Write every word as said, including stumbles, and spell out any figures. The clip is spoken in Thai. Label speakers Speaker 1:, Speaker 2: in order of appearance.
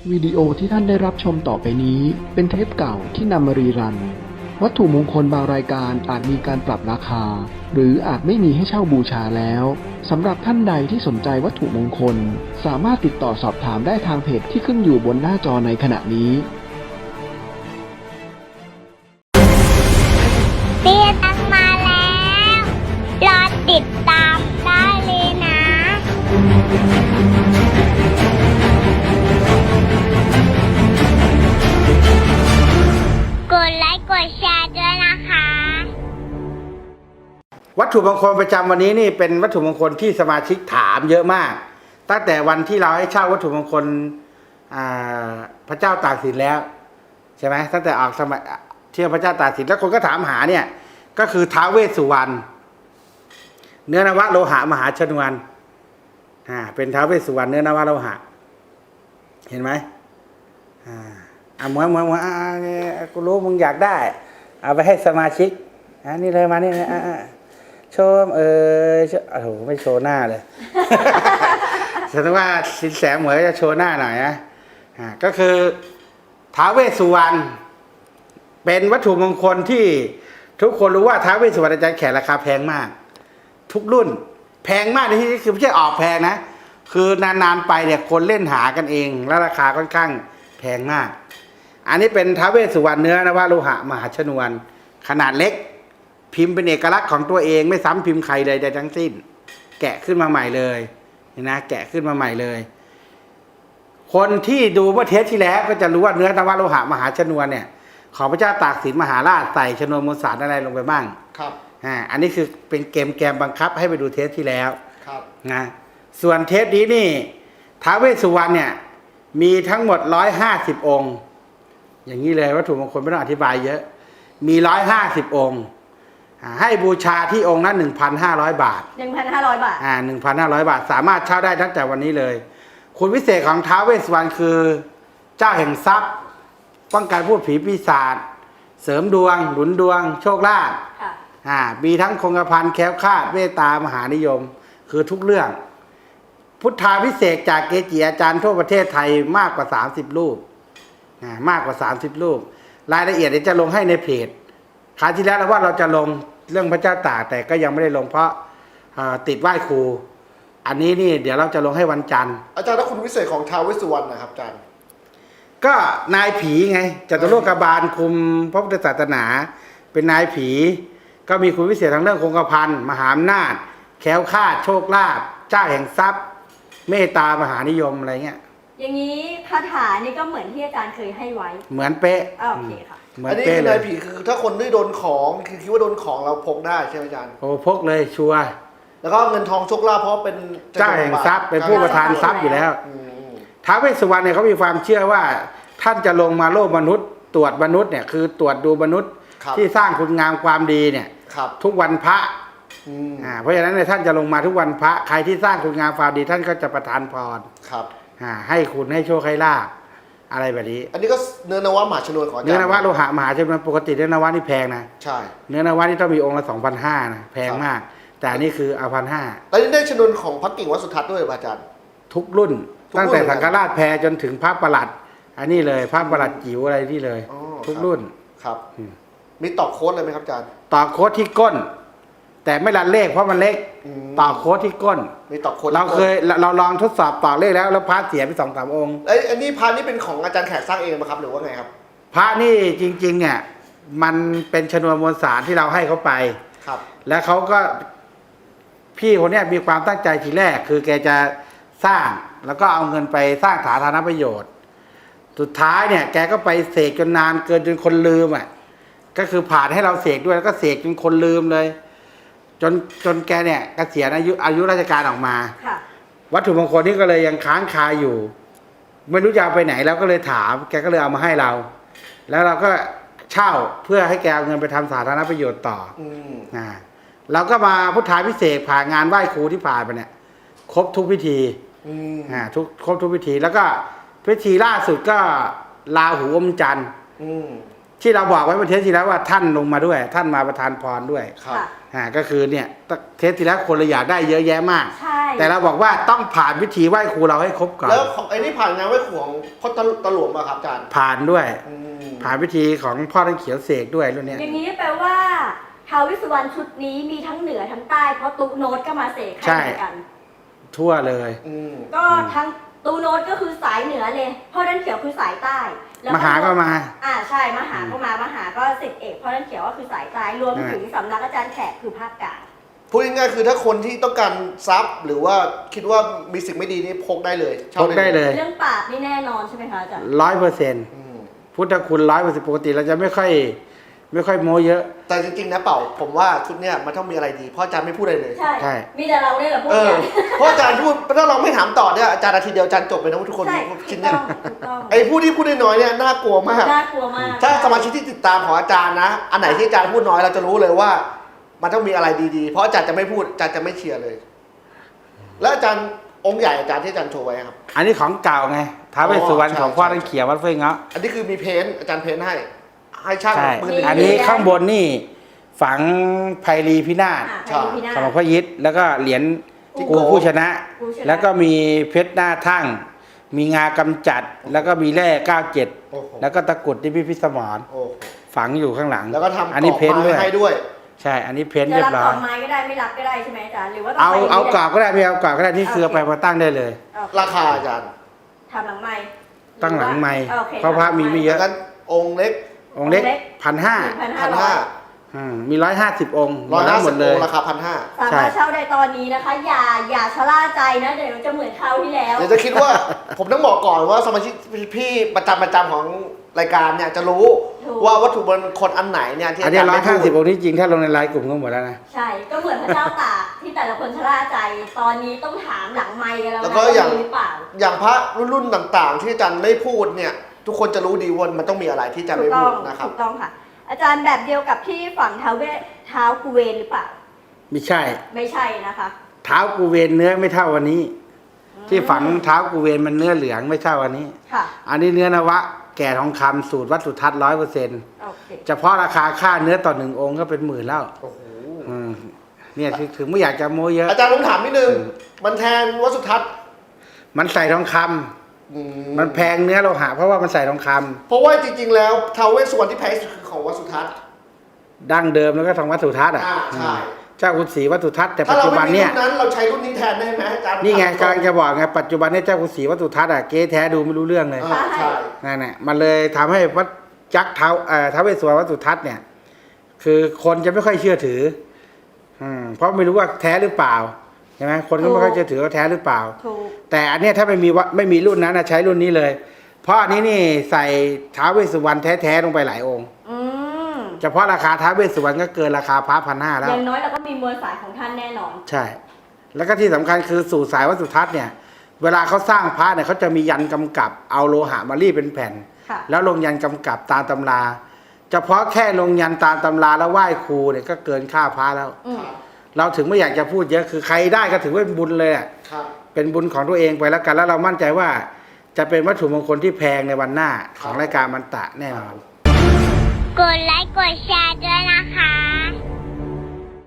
Speaker 1: วิดีโอที่ท่านได้รับชมต่อไปนี้เป็นเทปเก่าที่นำมารีรันวัตถุมงคลบางรายการอาจมีการปรับราคาหรืออาจไม่มีให้เช่าบูชาแล้วสำหรับท่านใดที่สนใจวัตถุมงคลสามารถติดต่อสอบถามได้ทางเพจที่ขึ้นอยู่บนหน้าจอในขณะนี้
Speaker 2: เตี้ยตังมาแล้วรอติดตามได้เลยนะกดไลค์กดแชร์ด้วยนะคะ
Speaker 3: วัตถุมงคลประจำวันนี้นี่เป็นวัตถุมงคลที่สมาชิกถามเยอะมากตั้งแต่วันที่เราให้เช่าวัตถุมงคลพระเจ้าตากสินแล้วใช่ไหมตั้งแต่ออกสมัยเที่ยวพระเจ้าตากสินแล้วคนก็ถามหาเนี่ยก็คือท้าวเวสสุวรรณเนื้อนวโลหะมหาชนวนอ่าเป็นท้าวเวสสุวรรณเนื้อนวโลหะเห็นไหมอ่าอ่ะเหมือนเหมือนเหมือนอ่ากูรู้มึงอยากได้เอาไปให้สมาชิกอ่านี่เลยมานี่นะอ่าโชว์เออโอ้โหไม่โชว์หน้าเลย แสดงว่าสินแสเหมยจะโชว์หน้าหน่อยนะอ่าก็คือท้าวเวสสุวรรณเป็นวัตถุมงคลที่ทุกคนรู้ว่าท้าวเวสสุวรรณอาจารย์แขกราคาแพงมากทุกรุ่นแพงมากในที่นี้คือไม่ใช่ออกแพงนะคือนานๆไปเนี่ยคนเล่นหากันเองแล้วราคาค่อนข้างแพงมากอันนี้เป็นท้าวเวสสุวรรณเนื้อนวโลหะมหาชนวนขนาดเล็กพิมพ์เป็นเอกลักษณ์ของตัวเองไม่ซ้ำพิมพ์ใครเลยใดทั้งสิ้นแกะขึ้นมาใหม่เลยนะแกะขึ้นมาใหม่เลยคนที่ดูเมื่อเทปที่แล้วก็จะรู้ว่าเนื้อนวโลหะมหาชนวนเนี่ยของพระเจ้าตากสินมหาราชใส่ชนวนมวลสารอะไรลงไปบ้าง
Speaker 4: ครับ
Speaker 3: อ่าอันนี้คือเป็นเกมแกมบังคับให้ไปดูเทปที่แล้ว
Speaker 4: ครับ
Speaker 3: นะส่วนเทปนี้นี่ท้าวเวสสุวรรณเนี่ยมีทั้งหมดร้อยห้าสิบองค์อย่างนี้เลยวัตถุมงคลไม่ต้องอธิบายเยอะมีร้อยห้าสิบองค์ให้บูชาที่องค์ละหนึ่งพันห้าร้อยบาท
Speaker 5: หนึ่งพันห้าร้อยบาท
Speaker 3: อ่าหนึ่งพันห้าร้อยบาทสามารถเช่าได้ตั้งแต่วันนี้เลยคุณวิเศษของท้าวเวสสุวรรณคือเจ้าแห่งทรัพย์ป้องกันพูดผีปีศาจเสริมดวงหนุนดวงโชคลาภอ่ามีทั้งคงกระพันแคล้วคลาดเมตตามหานิยมคือทุกเรื่องพุทธาพิเศษจากเกจิอาจารย์ทั่วประเทศไทยมากกว่าสามสิบรูปอ่ามากกว่าสามสิบรูปรายละเอียดเดี๋ยวจะลงให้ในเพจคราวที่แล้วเราว่าเราจะลงเรื่องพระเจ้าตากแต่ก็ยังไม่ได้ลงเพราะติดไหว้ครูอันนี้นี่เดี๋ยวเราจะลงให้วันจันทร์
Speaker 4: อาจารย์แล้วคุณวิเศษของท้าวเวสสุวรรณนะครับอาจารย์
Speaker 3: ก็นายผีไงจตุโลกบาลคุมพระพุทธศาสนาเป็นนายผีก็มีคุณวิเศษทางเรื่องคงกระพันมหาอำนาจแคล้วคลาดโชคลาภเจ้าแห่งทรัพย์เมตตามหานิยมอะไรเงี้ย
Speaker 5: อย่างนี้คาถานี่ก็เหมือนที่อาจารย์เคยให้ไว้
Speaker 3: เหมือนเป๊ะ
Speaker 5: โอเคค่ะ
Speaker 4: อันนี้คือนายผีคือถ้าคนที่โดนของคือคิดว่าโดนของเราพกได้ใช่ไหมอาจารย์
Speaker 3: โอ้พกเลยชัวร์
Speaker 4: แล้วก็เงินทองโชคลาภเพราะเป็น
Speaker 3: เจ้าแห่งทรัพย์เป็นผู้ประทานทรัพย์อยู่แล้วท้าวเวสสุวรรณเนี่ยเขามีความเชื่อว่าท่านจะลงมาโลกมนุษย์ตรวจมนุษย์เนี่ยคือตรวจดูมนุษย์ที่สร้างคุณงามความดีเนี่ยทุกวันพระอ่าเพราะฉะนั้นเนี่ยท่านจะลงมาทุกวันพระใครที่สร้างคุณงามความดีท่านก็จะประทานพร
Speaker 4: ครับ
Speaker 3: อ่าให้คุณให้โชคให้ลาภอะไรแบบนี้
Speaker 4: อันนี้ก็เนื้อนวะมหาชนวนของอาจารย์
Speaker 3: เนื้อนวะโลหะมหาชนวนปกติเนื้อนวะนี่แพงนะ
Speaker 4: ใช่
Speaker 3: เนื้อนวะนี่ต้องมีองค์ละสองพันห้านะแพงมากแต่อันนี้คือเอาพันห้า
Speaker 4: แล้วนี่ได้ชนวนของพระกิ่งวัดสุทัศน์ด้วยอาจารย์
Speaker 3: ทุกรุ่นตั้งแต่สังฆราชแพรจนถึงพระประหลัดอันนี้เลยพระประหลัดจิ๋วอะไรที่เลยทุกรุ่น
Speaker 4: ครับมีตอกโค้ดเลยไหมครับอาจารย์
Speaker 3: ตอกโค้ดที่ก้นแต่ไม่รันเลขเพราะมันเล็กตอกโค้ดที่ก้น
Speaker 4: มีตอกโค้ด
Speaker 3: เราเคยเราลองทดสอบตอกเลขแล้วแล้วพระเสียไปสองสามองค์
Speaker 4: ไอ้อันนี้พระนี่เป็นของอาจารย์แขกสร้างเองไหมครับหรือว่าไงครับ
Speaker 3: พระนี่จริงๆเนี่ยมันเป็นชนวนมวลสารที่เราให้เขาไป
Speaker 4: ครับ
Speaker 3: แล้วเขาก็พี่คนนี้มีความตั้งใจทีแรกคือแกจะสร้างแล้วก็เอาเงินไปสร้างสาธารณประโยชน์สุดท้ายเนี่ยแกก็ไปเสกจนนานเกินจนคนลืมอ่ะก็คือผ่านให้เราเสกด้วยแล้วก็เสกจนคนลืมเลยจนจนแกเนี่ยเกษียณอายุอายุราชการออกมาวัตถุมงคลนี้ก็เลยยังค้างคาอยู่ไม่รู้จะเอาไปไหนแล้วก็เลยถามแกก็เลยเอามาให้เราแล้วเราก็เช่าเพื่อให้แกเอาเงินไปทำสาธารณประโยชน์ต่ออ่าเราก็มาพุทธาพิเศษผ่านงานไหว้ครูที่ผ่านไปเนี่ยครบทุกพิธีอ่าทุกครบทุกพิธีแล้วก็พิธีล่าสุดก็ลาหูอมจันทร์ที่เราบอกไว้เมื่อเทปที่แล้วว่าท่านลงมาด้วยท่านมาประทานพรด้วยอ่าก็คือเนี่ยเทสที่แล้วคนเราอยากได้เยอะแยะมาก
Speaker 5: ใช่
Speaker 3: แต่เราบอกว่าต้องผ่านวิธีไหว้ครูเราให้ครบก่อน
Speaker 4: แล้วของไอ้นี่ผ่านงานไหว้ครูของพ่อตะตะหลวงมาครับอาจารย์
Speaker 3: ผ่านด้วย
Speaker 4: อืม
Speaker 3: ผ่านวิธีของพ่อท่านเขียวเสกด้วยรุ่นเนี้ย
Speaker 5: อย่างนี้แปลว่าท้าวเวสสุวรรณชุดนี้มีทั้งเหนือทั้งใต้เพราะตุ๊โน้ตก็มาเสกให้เหมือนกัน
Speaker 3: ทั่วเลย
Speaker 4: อืม
Speaker 5: ก็ทั้งตูโน้ตก็คือสายเหนือเลยพ่อท่านเขียวคือสายใต้แล้ว
Speaker 3: มหาก็มา
Speaker 5: อ่าใช่มหาก็มามหาก็สิทธิเอกพ่อท่านเขียวก็คือสายใต้รวมถึงสำนักอาจารย์แขกคือภาคกลาง
Speaker 4: พูดง่ายๆคือถ้าคนที่ต้องการทรัพย์หรือว่าคิดว่ามีสิ่งไม่ดีนี่พกได้เลยช่า
Speaker 3: พกได้เลย
Speaker 5: เรื่องปราบนี่แน่นอนใช่ไหมคะอาจารย์
Speaker 3: ร้อยเปอร์เซ็นต์
Speaker 4: อืม
Speaker 3: พุทธคุณร้อยเปอร์เซ็นต์ปกติเราจะไม่ค่อย ไม่ค่อยโม้เยอะ
Speaker 4: แต่จริงๆนะเป่าผมว่าชุดเนี้ยมันต้องมีอะไรดีเพราะอาจารย์ไม่พูดอะไรเลย
Speaker 5: ใช่
Speaker 3: ใช่
Speaker 5: มีแต่เราเนี่ยแหละพูด
Speaker 4: เออ
Speaker 5: กัน
Speaker 4: เพราะอาจารย์พูดถ้าเราไม่ถามต่อเนี่ยอาจารย์นาทีเดียวอาจารย์จบไปนะทุกคน
Speaker 5: ใช่
Speaker 4: คิ
Speaker 5: ถู
Speaker 4: ด
Speaker 5: ก
Speaker 4: เนี่
Speaker 5: ต้
Speaker 4: ย
Speaker 5: องถูกต้อง
Speaker 4: ไอ้ผู้ที่พูดน้อยๆเนี่ยน่ากลัวมาก
Speaker 5: น่ากลัวมาก
Speaker 4: ถ้าสมาชิกที่ติดตามของอาจารย์นะ อันไหนที่อาจารย์พูดน้อยเราจะรู้เลยว่า มันต้องมีอะไรดีๆ เพราะอาจารย์จะไม่พูดอาจารย์จะไม่เชียร์เลย แล้วอาจารย์องค์ใหญ่อาจารย์ที่อาจารย์โชว์ไว้ครับ
Speaker 3: อันนี้ของเก่าไงท้าวเวสสุวรรณ
Speaker 4: อ๋อใช่
Speaker 3: ของพ่อ
Speaker 4: ใช่
Speaker 3: ท่านเขียววัดเฟื่องเงาะ
Speaker 4: อันนี้คือมีเพ้นท์อาจารย์เพ้นท์ให้ ให้ช่าง
Speaker 3: ใช่
Speaker 4: มือหนึ่ง
Speaker 3: อันนี้ข้างบนนี่ฝังไพรีพินาศ
Speaker 5: อ่า
Speaker 4: ใช่
Speaker 5: ไปดูพี่หน้า
Speaker 3: ของหลวงพ่อยิศแล้วก็เหรียญ
Speaker 5: ที่
Speaker 3: กูผู้ชนะ
Speaker 5: กูชนะ
Speaker 3: แล้วก็มีเพชรหน้าทั่ง มีงากำจัด แล้วก็มีแร่เก้าเจ็ด
Speaker 4: โอ้โห
Speaker 3: แล้วก็ตะกรุดที่พิพิธสมร
Speaker 4: โอ้โห
Speaker 3: ฝังอยู่ข้างหลัง
Speaker 4: แล้วก็ทำ
Speaker 3: อันนี้
Speaker 4: กรอบ
Speaker 3: เพ้นท์
Speaker 4: ไม้
Speaker 3: ด้วย
Speaker 4: ให้ด้วย
Speaker 3: ใช่ อันนี้เพ้นท์
Speaker 5: จะ
Speaker 3: เรีย
Speaker 5: รับบ
Speaker 3: ร้
Speaker 5: ต่
Speaker 3: อ
Speaker 5: อย ไม้ก็ได้ไม่รับก็ได้ใช่ไหมอาจารย์หรือว่าต้ง
Speaker 3: เอา
Speaker 5: ไป
Speaker 3: เอา
Speaker 5: ที่
Speaker 3: กรอบก็ได้ไม่เอากรอบก็ได้นี่คือเอาไปมาตั้งได้เลย
Speaker 5: โอเค
Speaker 4: ราคาอาจารย์
Speaker 5: ทำหลังไม้
Speaker 3: ตั้งหลังไม้
Speaker 5: โอค
Speaker 3: เพราะพระมีไม่เย
Speaker 4: แล้ว
Speaker 3: อะ
Speaker 4: กันองค์เล็ก
Speaker 3: องค์เล็กพันห้า
Speaker 5: พัน
Speaker 4: พัน
Speaker 5: ห้า
Speaker 4: ห้า
Speaker 3: มีร้อยห้าสิบองค์
Speaker 4: ร้อยห้า
Speaker 3: หม
Speaker 4: สิบ
Speaker 3: ดเล
Speaker 4: อง
Speaker 3: ย
Speaker 4: ค์ราคาพันห้า
Speaker 5: สามารถเช่าได้ตอนนี้นะคะ อย่าอย่าชะล่าใจนะเดี๋ยวจะเหมือนคราวที่แล้ว
Speaker 4: เดี๋ยวจะคิดว่า ผมต้องบอกก่อนว่าสมาชิกพี่ประจำประจำของรายการเนี่ยจะรู้
Speaker 5: ถูก
Speaker 4: ว่าวัตถุมงคลอันไหนเนี่ยที่
Speaker 3: อัน
Speaker 4: อา
Speaker 3: นี้
Speaker 4: จารย์
Speaker 3: ร้อย
Speaker 4: ไม่
Speaker 3: ห้า
Speaker 4: พู
Speaker 3: สิบ
Speaker 4: ด
Speaker 3: องค์ที่จริงถ้าลงในไลน์กลุ่มก็หมดแล้วนะ
Speaker 5: ใช่ก็เหมือนพระเจ้าตากที่แต่ละคนชะล่าใจ ตอนนี้ต้องถามหลังไมค์กันแล้ว
Speaker 4: แล้ว
Speaker 5: นะ
Speaker 4: ก็อย่าง
Speaker 5: มีหรือเปล่า
Speaker 4: อย่างพระรุ่นๆต่างๆ ที่อาจารย์ไม่พูดเนี่ย ทุกคนจะรู้ดีว่ามันต้องมีอะไรที่อาจารย์
Speaker 5: ถู
Speaker 4: ไม่
Speaker 5: กต้
Speaker 4: พู
Speaker 5: อ
Speaker 4: ด
Speaker 5: ง
Speaker 4: นะครับ
Speaker 5: ถูกต้องค่ะ อาจารย์แบบเดียวกับที่ฝั่งเท้าเวทเท้ากุเวนหรือเปล่า
Speaker 3: ไม่ใช่
Speaker 5: ไม่ใช่นะคะ
Speaker 3: เท้ากูเวนเนื้อไม่เท่าวันนี้ ที่ฝังเท้ากูเวนมันเนื้อเหลืองไม่เท่าวันนี้
Speaker 5: ค่ะ
Speaker 3: อันนี้เนื้อนวะ แก่ทองคำสูตรวัดสุทัศน์ร้อยเปอร์เซ็นต์
Speaker 5: โอเค
Speaker 3: เฉพาะราคาค่าเนื้อต่อหนึ่งองค์ก็เป็นหมื่นแล้ว
Speaker 4: โอ้โห
Speaker 3: อืมเนี่ยถึงถึงไม่อยากจะโม้เยอะ
Speaker 4: อาจารย์ผมถามนิดนึง มันแทนวัดสุทัศน์
Speaker 3: มันใส่ทองคำ
Speaker 4: อื
Speaker 3: มันแพงเนื้อโลหะเพราะว่ามันใส่ทองคำ
Speaker 4: เพราะว่าจริงๆแล้วท้าวเวสสุวรรณที่แพงที่สุดคือของวัดสุทัศน์
Speaker 3: ดั้งเดิมแล้วก็ทองวัดสุทัศน์อ่ะ
Speaker 4: อ่าใช่
Speaker 3: เจ้าคุณศรีวัดสุทัศน์แต่
Speaker 4: ถ้า
Speaker 3: ปัจ
Speaker 4: เรา
Speaker 3: จุ
Speaker 4: ไม่
Speaker 3: บัน
Speaker 4: มี
Speaker 3: เนี่ย
Speaker 4: รุ่นนั้นเราใช้รุ่นนี้แทนได้ไหมอาจารย์
Speaker 3: นี่ไงกำลังจะบอกไงปัจจุบันเนี่ยเจ้าคุณศรีวัดสุทัศน์อ่ะเก๊แท้ดูไม่รู้เรื่องเลย
Speaker 4: อ่าใช่
Speaker 3: นั่นแหละมันเลยทำให้วัดจักรเท้าเอ่อท้าวเวสสุวรรณวัดสุทัศน์เนี่ย คือคนจะไม่ค่อยเชื่อถือ อืมเพราะไม่รู้ว่าแท้หรือเปล่าใช่ไหมคนก็ไม่ค่อยเชื่อถือว่าแท้หรือเปล่า
Speaker 5: ถูก
Speaker 3: แต่อันเนี้ยถ้าไม่มีวะไม่มีรุ่นนั้นนะใช้รุ่นนี้เลย เพราะอันนี้นี่ใส่ท้าวเวสสุวรรณแท้ๆลงไปหลายองค์
Speaker 5: อืม
Speaker 3: เฉพาะราคาท้าวเวสสุวรรณก็เกินราคาพระพันห้าแล้
Speaker 5: อ
Speaker 3: ว
Speaker 5: ย่างน้อยเราก็มีมวลสายของท่านแน่นอน
Speaker 3: ใช่ แล้วก็ที่สำคัญคือสู่สายวัดสุทัศน์เนี่ย เวลาเขาสร้างพระเนี่ยเขาจะมียันกำกับเอาโลหะมารีดเป็นแผ่น
Speaker 5: ค่ะ
Speaker 3: แล้วลงยันกำกับตามตำรา เฉพาะแค่ลงยันตามตำราแล้วไหว้ครูเนี่ยก็เกินค่าพระแล้ว
Speaker 5: อืม
Speaker 3: เราถึงไม่อยากจะพูดเยอะคือใครได้ก็ถือว่าเป็นบุญเลยอะ
Speaker 4: ครับ
Speaker 3: เป็นบุญของตัวเองไปแล้วกัน แล้วเรามั่นใจว่าจะเป็นวัตถุมงคลที่แพงในวันหน้าของรายการมันตะแน่นอน
Speaker 2: กดไลค์กดแชร์ด้วยนะคะ